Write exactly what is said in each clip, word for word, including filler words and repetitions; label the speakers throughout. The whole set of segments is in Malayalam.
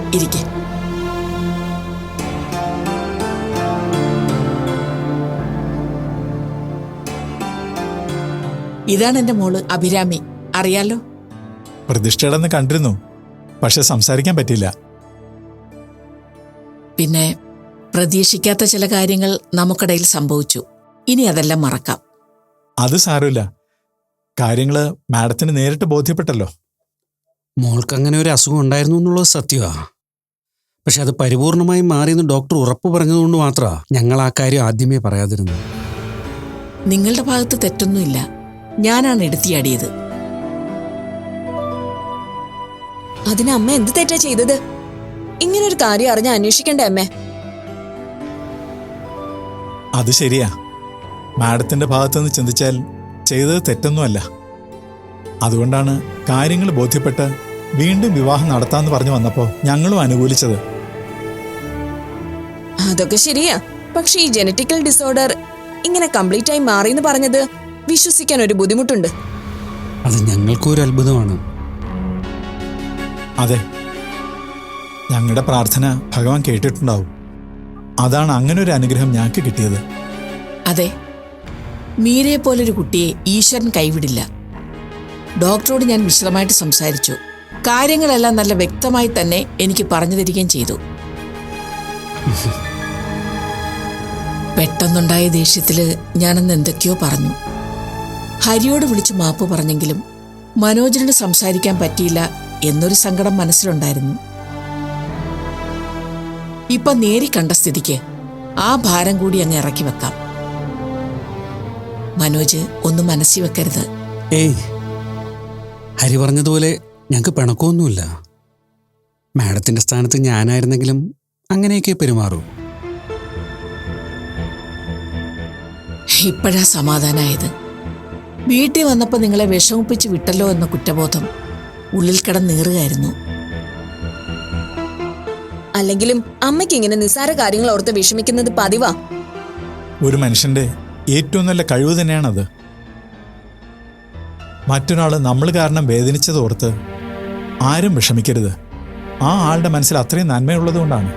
Speaker 1: ഇരിക്കെ. ഇതാണ് എന്റെ മോള് അഭിരാമി, അറിയാലോ?
Speaker 2: പ്രതിഷ്ഠയുടെ കണ്ടിരുന്നു, പക്ഷെ സംസാരിക്കാൻ പറ്റില്ല.
Speaker 1: പിന്നെ പ്രതീക്ഷിക്കാത്ത ചില കാര്യങ്ങൾ നമുക്കിടയിൽ സംഭവിച്ചു. ഇനി അതെല്ലാം മറക്കാം.
Speaker 2: അത് സാരമില്ല, കാര്യങ്ങള് മാഡത്തിന് നേരിട്ട് ബോധ്യപ്പെട്ടല്ലോ.
Speaker 3: മോൾക്ക് അങ്ങനെ ഒരു അസുഖം ഉണ്ടായിരുന്നു എന്നുള്ളത് സത്യമാണ്. പക്ഷെ അത് പരിപൂർണമായി മാറിയെന്ന് ഡോക്ടർ ഉറപ്പ് പറഞ്ഞതുകൊണ്ട് മാത്രമാണ് ഞങ്ങൾ ആ കാര്യം ആദ്യമേ പറയാതിരുന്നത്.
Speaker 1: നിങ്ങളുടെ ഭാഗത്ത് തെറ്റൊന്നുമില്ല, ഞാനാണ് എടുത്തിയാടിയത്.
Speaker 4: അതിന് അമ്മ എന്ത് തെറ്റാ ചെയ്തത്? ഇങ്ങനൊരു കാര്യം അറിഞ്ഞ അന്വേഷിക്കണ്ടേ അമ്മേ?
Speaker 2: അത് ശരിയാ, മാഡത്തിന്റെ ഭാഗത്തുനിന്ന് ചിന്തിച്ചാൽ ചെയ്തത് തെറ്റൊന്നുമല്ല. അതുകൊണ്ടാണ് കാര്യങ്ങൾ ബോധ്യപ്പെട്ട് വീണ്ടും വിവാഹം നടത്താമെന്ന് പറഞ്ഞു വന്നപ്പോൾ ഞങ്ങളും അനുകൂലിച്ചത്.
Speaker 4: അതൊക്കെ ശരിയാ, പക്ഷെ ഈ ജനറ്റിക്കൽ ഡിസോർഡർ ഇങ്ങനെ കംപ്ലീറ്റ് ആയി മാറിയെന്ന് പറഞ്ഞത് വിശ്വസിക്കാൻ ഒരു ബുദ്ധിമുട്ടുണ്ട്.
Speaker 3: അത് ഞങ്ങൾക്കും ഒരു അത്ഭുതമാണ്.
Speaker 2: അതെ, ഞങ്ങളുടെ പ്രാർത്ഥന ഭഗവാൻ കേട്ടിട്ടുണ്ടാവും. അതാണ് അങ്ങനെ ഒരു അനുഗ്രഹം ഞങ്ങൾക്ക് കിട്ടിയത്.
Speaker 1: അതെ, മീരയെ പോലൊരു കുട്ടിയെ ഈശ്വരൻ കൈവിടില്ല. ഡോക്ടറോട് ഞാൻ വിശദമായിട്ട് സംസാരിച്ചു. കാര്യങ്ങളെല്ലാം നല്ല വ്യക്തമായി തന്നെ എനിക്ക് പറഞ്ഞു തരികയും ചെയ്തു. പെട്ടെന്നുണ്ടായ ദേഷ്യത്തില് ഞാനന്ന് എന്തൊക്കെയോ പറഞ്ഞു. ഹരിയോട് വിളിച്ച് മാപ്പ് പറഞ്ഞെങ്കിലും മനോജിനോട് സംസാരിക്കാൻ പറ്റിയില്ല എന്നൊരു സങ്കടം മനസ്സിലുണ്ടായിരുന്നു. ഇപ്പൊ നേരി കണ്ട സ്ഥിതിക്ക് ആ ഭാരം കൂടി അങ്ങ് ഇറക്കി വെക്കാം. മനോജ് ഒന്നും മനസ്സിൽ വെക്കരുത്.
Speaker 3: ഏയ്, ഹരി പറഞ്ഞതുപോലെ ഞങ്ങൾക്ക് പിണക്കമൊന്നുമില്ല. മാഡത്തിന്റെ സ്ഥാനത്ത് ഞാനായിരുന്നെങ്കിലും അങ്ങനെയൊക്കെ പെരുമാറൂ.
Speaker 1: ഇപ്പോഴാ സമാധാനായത്. വീട്ടിൽ വന്നപ്പോൾ നിങ്ങളെ വിഷമിപ്പിച്ച് വിട്ടല്ലോ എന്ന കുറ്റബോധം ഉള്ളിൽ കിടന്നീറുകയായിരുന്നു.
Speaker 4: അല്ലെങ്കിലും അമ്മയ്ക്ക് ഇങ്ങനെ നിസ്സാര കാര്യങ്ങൾ ഓർത്ത് വിഷമിക്കുന്നത് പതിവാ.
Speaker 2: ഒരു മനുഷ്യന്റെ ഏറ്റവും നല്ല കഴിവ് തന്നെയാണത്. മറ്റൊരാള് നമ്മൾ കാരണം വേദനിച്ചത് ഓർത്ത് ആരും വിഷമിക്കരുത്. ആ ആളുടെ മനസ്സിൽ അത്രയും നന്മയുള്ളത് കൊണ്ടാണ്.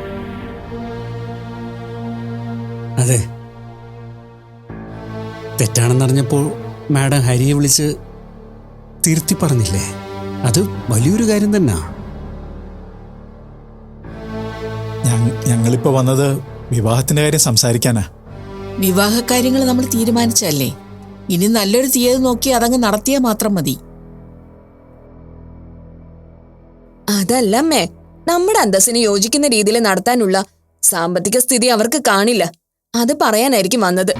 Speaker 3: അതെ, തെറ്റാണെന്നറിഞ്ഞപ്പോൾ മാഡം ഹരിയെ വിളിച്ച് തിരുത്തി പറഞ്ഞില്ലേ? അത് വലിയൊരു കാര്യം തന്നെ.
Speaker 2: ഞങ്ങളിപ്പോ വന്നത് വിവാഹത്തിന്റെ കാര്യം സംസാരിക്കാനാ.
Speaker 1: വിവാഹകാര്യങ്ങൾ നമ്മൾ തീരുമാനിച്ചല്ലേ, ഇനി നല്ലൊരു തീയതി നോക്കി അതങ്ങ് നടത്തിയാൽ മാത്രം മതി.
Speaker 4: അതല്ലമ്മേ, നമ്മുടെ അന്തസ്സിന് യോജിക്കുന്ന രീതിയിൽ നടത്താനുള്ള സാമ്പത്തിക സ്ഥിതി അവർക്ക് കാണില്ല. അത് പറയാനായിരിക്കും വന്നത്.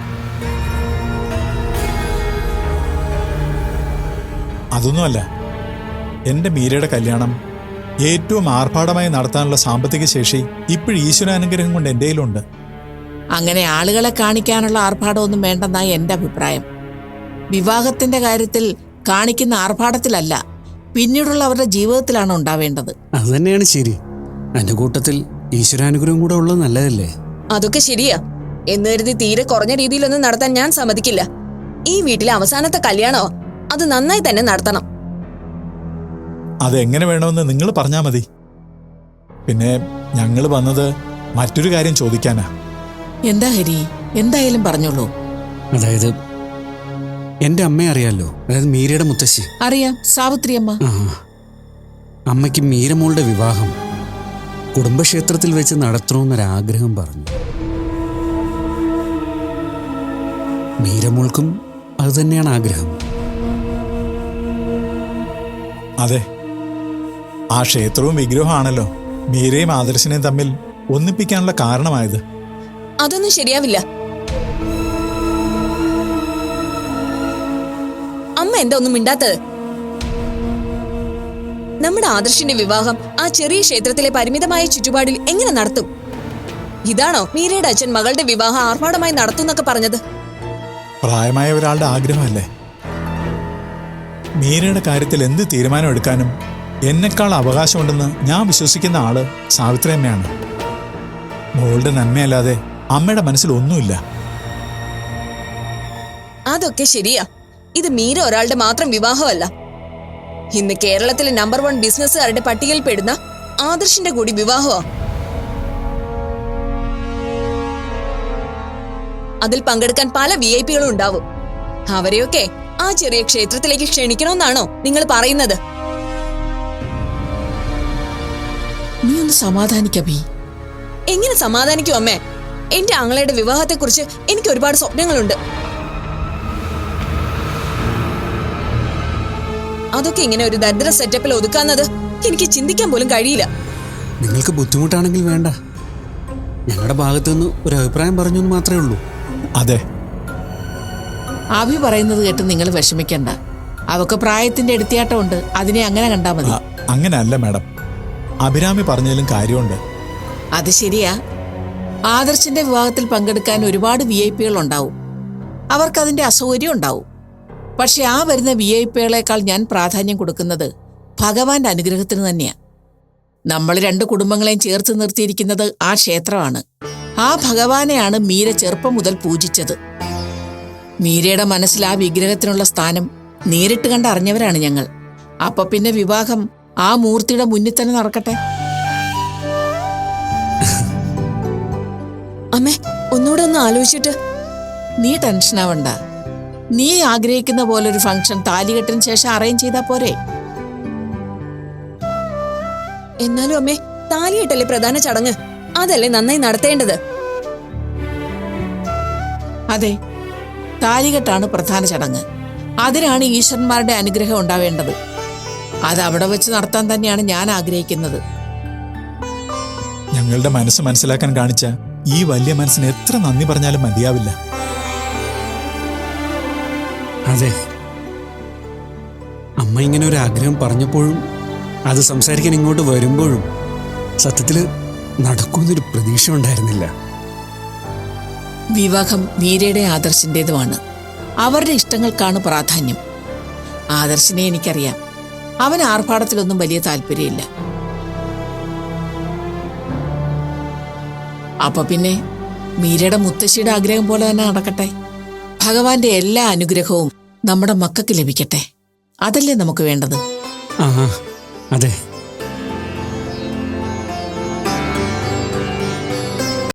Speaker 2: അതൊന്നുമല്ല, എന്റെ മീരയുടെ കല്യാണം ഏറ്റവും ആർഭാടമായി നടത്താനുള്ള സാമ്പത്തിക ശേഷി ഇപ്പോഴും ഈശ്വരാനുഗ്രഹം കൊണ്ട് എൻ്റെ കയ്യിലുണ്ട്.
Speaker 1: അങ്ങനെ ആളുകളെ കാണിക്കാനുള്ള ആർഭാടമൊന്നും വേണ്ടെന്നാണ് എൻ്റെ അഭിപ്രായം. വിവാഹത്തിന്റെ കാര്യത്തിൽ കാണിക്കുന്ന ആർഭാടത്തിലല്ല, പിന്നീടുള്ള അവരുടെ ജീവിതത്തിലാണ് ഉണ്ടാവേണ്ടത്.
Speaker 3: അത് തന്നെയാണ് ശരി. എന്റെ കൂട്ടത്തിൽ ഈശ്വരാനുഗ്രഹം കൂടെ ഉള്ളത് നല്ലതല്ലേ?
Speaker 4: അതൊക്കെ ശരിയാ. എന്ന് കരുതി തീരെ കുറഞ്ഞ രീതിയിലൊന്നും നടത്താൻ ഞാൻ സമ്മതിക്കില്ല. ഈ വീട്ടിലെ അവസാനത്തെ കല്യാണോ, അത് നന്നായി തന്നെ നടത്തണം.
Speaker 2: അതെങ്ങനെ വേണമെന്ന് നിങ്ങൾ പറഞ്ഞാൽ മതി. പിന്നെ ഞങ്ങൾ വന്നത് മറ്റൊരു കാര്യം ചോദിക്കാനാ.
Speaker 1: എന്താ ഹരി? എന്തായാലും പറഞ്ഞോളൂ.
Speaker 3: അതായത് എന്റെ അമ്മയെ അറിയാലോ, അതായത് മീരയുടെ മുത്തശ്ശി.
Speaker 1: അറിയാം, സാവിത്രി അമ്മ.
Speaker 3: ആ, അമ്മയ്ക്ക് മീരമോളുടെ വിവാഹം കുടുംബക്ഷേത്രത്തിൽ വെച്ച് നടത്തണമെന്നൊരാഗ്രഹം പറഞ്ഞു. മീരമോൾക്കും അത് തന്നെയാണ് ആഗ്രഹം.
Speaker 2: അതെ, ആ ക്ഷേത്രവും വിഗ്രഹമാണല്ലോ മീരയും ആദർശനെയും തമ്മിൽ ഒന്നിപ്പിക്കാനുള്ള കാരണമായത്.
Speaker 4: അതൊന്നും ശരിയാവില്ല. അമ്മ എന്താ ഒന്നും മിണ്ടാത്തത്? നമ്മുടെ ആദർശിന്റെ വിവാഹം ആ ചെറിയ ക്ഷേത്രത്തിലെ പരിമിതമായ ചുറ്റുപാടിൽ എങ്ങനെ നടത്തും? ഇതാണോ മീരയുടെ അച്ഛൻ മകളുടെ വിവാഹം ആർഭാടമായി നടത്തുന്നൊക്കെ പറഞ്ഞത്? പ്രായമായ
Speaker 2: ഒരാളുടെ ആഗ്രഹമല്ലേ. മീരയുടെ കാര്യത്തിൽ എന്ത് തീരുമാനം എടുക്കാനും എന്നെക്കാൾ അവകാശമുണ്ടെന്ന് ഞാൻ വിശ്വസിക്കുന്ന ആള് സാവിത്രി അമ്മയാണ്. മോളുടെ നന്മയല്ലാതെ അമ്മയുടെ മനസ്സിൽ ഒന്നുമില്ല.
Speaker 4: അതൊക്കെ ശരിയാ. ഇത് മീര ഒരാളുടെ മാത്രം വിവാഹമല്ല. ഇന്ന് കേരളത്തിലെ നമ്പർ വൺ ബിസിനസ്സുകാരുടെ പട്ടികയിൽ പെടുന്ന ആദർശിന്റെ കൂടി വിവാഹമോ? അതിൽ പങ്കെടുക്കാൻ പല വി ഐ പികളും ഉണ്ടാവും. അവരെയൊക്കെ ആ ചെറിയ ക്ഷേത്രത്തിലേക്ക് ക്ഷണിക്കണമെന്നാണോ നിങ്ങൾ പറയുന്നത്?
Speaker 1: നീ ഒന്ന് സമാധാനിക്കബി.
Speaker 4: എങ്ങനെ സമാധാനിക്കും അമ്മേ? എന്റെ ആങ്ങളയുടെ വിവാഹത്തെക്കുറിച്ച് എനിക്ക് ഒരുപാട് സ്വപ്നങ്ങളുണ്ട്. അതൊക്കെ ഇങ്ങനെ ഒരു ദരിദ്ര സെറ്റപ്പിൽ ഒതുക്കാന്നത് എനിക്ക് ചിന്തിക്കാൻ പോലും കഴിയില്ല.
Speaker 3: നിങ്ങൾക്ക് ബുദ്ധിമുട്ടാണെങ്കിൽ വേണ്ട. ഞങ്ങളുടെ ഭാഗത്തുനിന്ന് ഒരു അഭിപ്രായം പറഞ്ഞു എന്ന് മാത്രമേ ഉള്ളൂ.
Speaker 2: അതെ,
Speaker 1: അഭി പറയുന്നത് കേട്ട് നിങ്ങൾ വിഷമിക്കണ്ട. അവക്ക് പ്രായത്തിന്റെ എടുത്തിയാട്ടമുണ്ട്. അതിനെ അങ്ങനെ കണ്ടാ മതി.
Speaker 2: അ- അങ്ങനെയല്ല മാഡം, അഭിരാമി പറഞ്ഞതിലും കാര്യമുണ്ട്.
Speaker 1: അത് ശരിയാ. ആദർശിന്റെ വിവാഹത്തിൽ പങ്കെടുക്കാൻ ഒരുപാട് വി ഐ പികൾ ഉണ്ടാവും. അവർക്കതിന്റെ അസൗകര്യം ഉണ്ടാവും. പക്ഷെ ആ വരുന്ന വി ഐ പികളെക്കാൾ ഞാൻ പ്രാധാന്യം കൊടുക്കുന്നത് ഭഗവാന്റെ അനുഗ്രഹത്തിന് തന്നെയാ. നമ്മൾ രണ്ട് കുടുംബങ്ങളെയും ചേർത്ത് നിർത്തിയിരിക്കുന്നത് ആ ക്ഷേത്രമാണ്. ആ ഭഗവാനെയാണ് മീര ചെറുപ്പം മുതൽ പൂജിച്ചത്. മീരയുടെ മനസ്സിൽ ആ വിഗ്രഹത്തിനുള്ള സ്ഥാനം നേരിട്ട് കണ്ട് അറിഞ്ഞവരാണ് ഞങ്ങൾ. അപ്പൊ പിന്നെ വിവാഹം ആ മൂർത്തിയുടെ മുന്നിൽ തന്നെ നടക്കട്ടെ.
Speaker 4: അമ്മേ, ഒന്നുകൂടെ ഒന്ന് ആലോചിച്ചിട്ട്.
Speaker 1: നീ ടെൻഷനാവണ്ട. നീ ആഗ്രഹിക്കുന്ന പോലെ ഒരു ഫംഗ്ഷൻ താലികെട്ടിന് ശേഷം അറേഞ്ച് ചെയ്താ പോരെ?
Speaker 4: എന്നാലും അമ്മേ, താലികെട്ടല്ലേ പ്രധാന ചടങ്ങ്. അതല്ലേ നന്നായി നടത്തേണ്ടത്.
Speaker 1: അതെ, താലികെട്ടാണ് പ്രധാന ചടങ്ങ്. അതിനാണ് ഈശ്വരന്മാരുടെ അനുഗ്രഹം ഉണ്ടാവേണ്ടത്. അത് അവിടെ വെച്ച് നടത്താൻ തന്നെയാണ് ഞാൻ ആഗ്രഹിക്കുന്നത്.
Speaker 2: ഞങ്ങളുടെ മനസ്സ് മനസ്സിലാക്കാൻ കാണിച്ച ഈ വലിയ മനസ്സിന് എത്ര നന്ദി പറഞ്ഞാലും മതിയാവില്ല.
Speaker 3: അതെ, അമ്മ ഇങ്ങനെ ഒരു ആഗ്രഹം പറഞ്ഞപ്പോഴും അത് സംസാരിക്കാൻ ഇങ്ങോട്ട് വരുമ്പോഴും സത്യത്തിൽ നടക്കുന്നൊരു പ്രതീക്ഷ ഉണ്ടായിരുന്നില്ല.
Speaker 1: വിവാഹം മീരയുടെ ആദർശിൻ്റെതുമാണ്. അവരുടെ ഇഷ്ടങ്ങൾക്കാണ് പ്രാധാന്യം. ആദർശിനെ എനിക്കറിയാം. അവൻ ആർഭാടത്തിലൊന്നും വലിയ താല്പര്യമില്ല. അപ്പൊ പിന്നെ മീരയുടെ മുത്തശ്ശിയുടെ ആഗ്രഹം പോലെ തന്നെ നടക്കട്ടെ. ഭഗവാന്റെ എല്ലാ അനുഗ്രഹവും നമ്മുടെ മക്കൾക്ക് ലഭിക്കട്ടെ. അതല്ലേ നമുക്ക് വേണ്ടത്.
Speaker 3: ആ അതെ.